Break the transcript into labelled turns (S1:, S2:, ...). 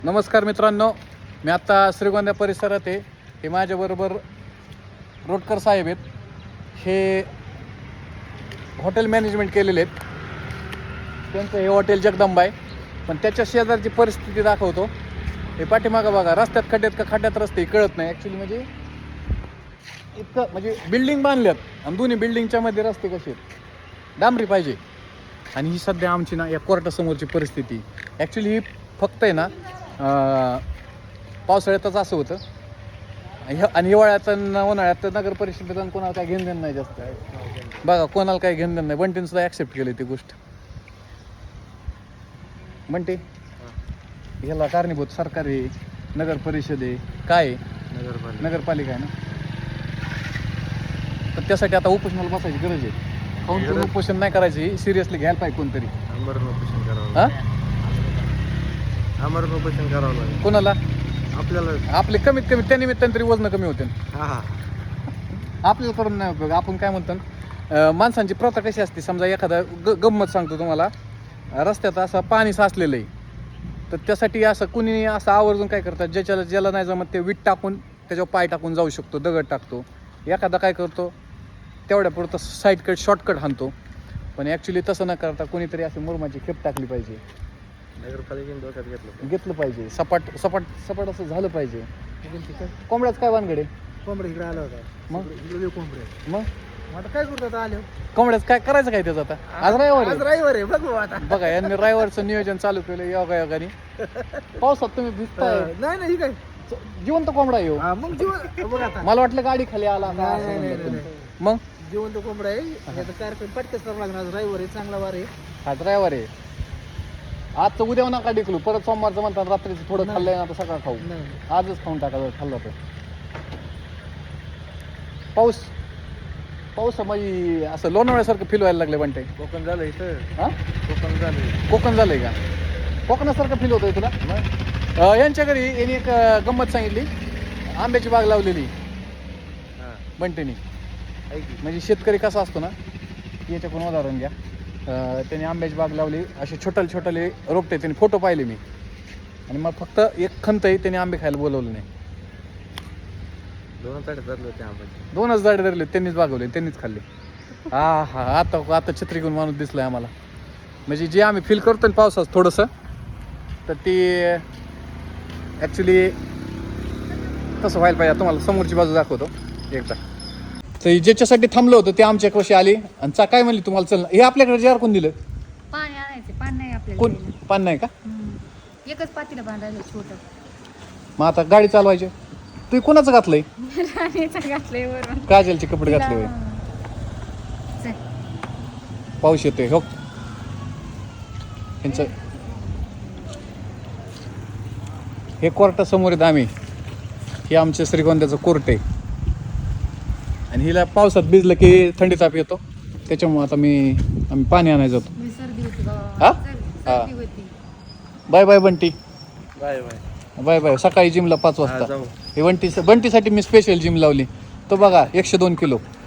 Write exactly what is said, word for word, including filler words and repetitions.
S1: नमस्कार मित्रांनो, मी आत्ता श्रीगोंदा परिसरात आहे. हे माझ्याबरोबर रोटकर साहेब आहेत. हे हॉटेल मॅनेजमेंट केलेले आहेत. त्यांचं हे हॉटेल जगदंबा आहे. पण त्याच्या शेजारची परिस्थिती दाखवतो. हे पाठीमागं बघा, रस्त्यात खड्ड्यात का खड्ड्यात रस्ते कळत नाही ॲक्च्युली. म्हणजे इतकं म्हणजे बिल्डिंग बांधल्यात आणि दोन्ही बिल्डिंगच्या मध्ये रस्ते कसे आहेत, डांबरी पाहिजे. आणि ही सध्या आमची ना या कोर्टासमोरची परिस्थिती. ॲक्च्युली ही फक्त आहे ना पावसाळ्यातच असं होतं आणि हिवाळ्यात उन्हाळ्यात नगर परिषदेत कोणाला काय घेणं देणं नाही जास्त. बघा, कोणाला काय घेणं देणं नाही. बंटीनं सुद्धा ॲक्सेप्ट केली ती गोष्ट. बंटी, ह्याला कारणीभूत सरकार आहे, नगर परिषद आहे, काय नगरपालिका नगरपालिका आहे ना. तर त्यासाठी आता उपोषणाला बसायची गरज आहे. काऊन उपोषण नाही करायची, सिरियसली घ्यायला पाहिजे कोणतरी.
S2: आमरण उपोषण करावं
S1: हा
S2: आमरण उपोषण करावं लागेल
S1: कोणाला?
S2: आपल्याला.
S1: आपले कमीत कमी त्या निमित्ताने तरी वजन कमी होते.
S2: हा हा
S1: आपल्याला करून नाही उपयोग. आपण काय म्हणतो, माणसांची प्रथा कशी असते. समजा एखादा ग गंमत सांगतो तुम्हाला. रस्त्यात असं पाणी साचलेलं आहे, तर त्यासाठी असं कुणी असं आवर्जून काय करतात, ज्याच्याला ज्याला नाही जमत ते वीट टाकून त्याच्यावर पाय टाकून जाऊ शकतो, दगड टाकतो. एखादा काय करतो, तेवढ्या पुरतं साईडकट शॉर्टकट हाणतो. पण ॲक्च्युली तसं न करता कोणीतरी अशी मुरमाची खेप टाकली पाहिजे.
S2: नगरपालिकेने डोक्यात घेतलं
S1: घेतलं पाहिजे. सपाट सपाट सपाट असं झालं पाहिजे. कोंबड्याच काय वानगडे?
S2: कोंबडे इकडे आला होता.
S1: मग
S2: इकडे कोंबडे
S1: मग
S2: आता काय करतात आले.
S1: कोंबड्याच काय करायचं काय त्याचं आता? आज रविवार आहे.
S2: ड्रायव्हर आहे बघ आता.
S1: बघा, यांनी ड्रायव्हरचं नियोजन चालू केलं योगा योगाने. पावसात तुम्ही भिजताय.
S2: नाही नाही काय
S1: जिवंत कोंबडा येऊ.
S2: मग जीवन बघ आता.
S1: मला वाटलं गाडी खाली आला.
S2: नाही, नाही, नाही.
S1: मग
S2: जिवंत कोंबडा आहे. याचा कार्यक्रम पटकच करावं लागणार. ड्रायव्हर आहे, चांगला वार आहे.
S1: हा ड्रायव्हर आहे. आजचं उद्या नका डिकलू. परत सोमवारचं म्हणतात रात्रीचं थोडं खाल्लंय ना, आता सकाळ खाऊ. आजच खाऊन टाका खाल्लं तर. पाऊस पाऊस म्हणजे असं लोणावळ्यासारखं फील व्हायला लागलं म्हणते.
S2: कोकण झालं इथं.
S1: हा
S2: कोकण झालं.
S1: कोकण झालंय का? कोकणासारखं फील होतंय तुला? अं, यांच्या घरी यांनी एक अं, गंमत सांगितली. आंब्याची बाग लावलेली बंटेनी. म्हणजे शेतकरी कसा असतो ना, याच्याकडून उदाहरण घ्या. त्याने आंब्याची बाग लावली, असे छोटले छोटले रोपटे. त्यांनी फोटो पाहिले मी. आणि मग फक्त एक खंत आहे, त्याने आंबे खायला बोलवलं नाही.
S2: दोन झाडे धरले होते आंब्याचे.
S1: दोनच झाडे धरले, त्यांनीच बागवले, त्यांनीच खाल्ले. हा हा आता आता छत्री घेऊन माणूस दिसलाय आम्हाला. म्हणजे जे आम्ही फील करतो ना पावसाचं थोडंसं, तर ते ॲक्च्युली तसं व्हायला पाहिजे. तुम्हाला समोरची बाजू दाखवतो एकदा. तर ज्याच्यासाठी थांबलं होतं ते आमच्या कशी आली आणि चा काय म्हणली तुम्हाला, चल हे आपल्याकडे जार कोण दिलं?
S3: पाणी आणायचं. पाणी नाही आपल्याला
S1: कोण?
S3: द्यायला.
S1: पान नाही का?
S3: हम्म. एकच पातीला बांधायला छोटं.
S1: मग आता गाडी चालवायची. तू कोणाचं घातलंय?
S3: राणीचं घातलंय वरून.
S1: काजलचे कपडे घातले होय.
S3: चल.
S1: पाऊस येतोय हो. यांचं हे कोर्टासमोर आहेत आम्ही. हे आमच्या श्रीगोंद्याचं कोर्ट आहे. आणि हिला पावसात भिजलं की थंडी ताप येतो. त्याच्यामुळे आता मी आम्ही पाणी आणायला जातो.
S3: मी सर्दी होती बाबा.
S1: हा?
S3: सर्दी-
S1: हा.
S3: सर्दी होती.
S1: Bye bye Bunty.
S2: Bye bye.
S1: Bye bye. सकाळी जिमला पाच
S2: हा,
S1: वाजता.
S2: जाऊ.
S1: हे बंटी बंटीसाठी मी स्पेशल जिम लावली. तो बघा एकशे दोन किलो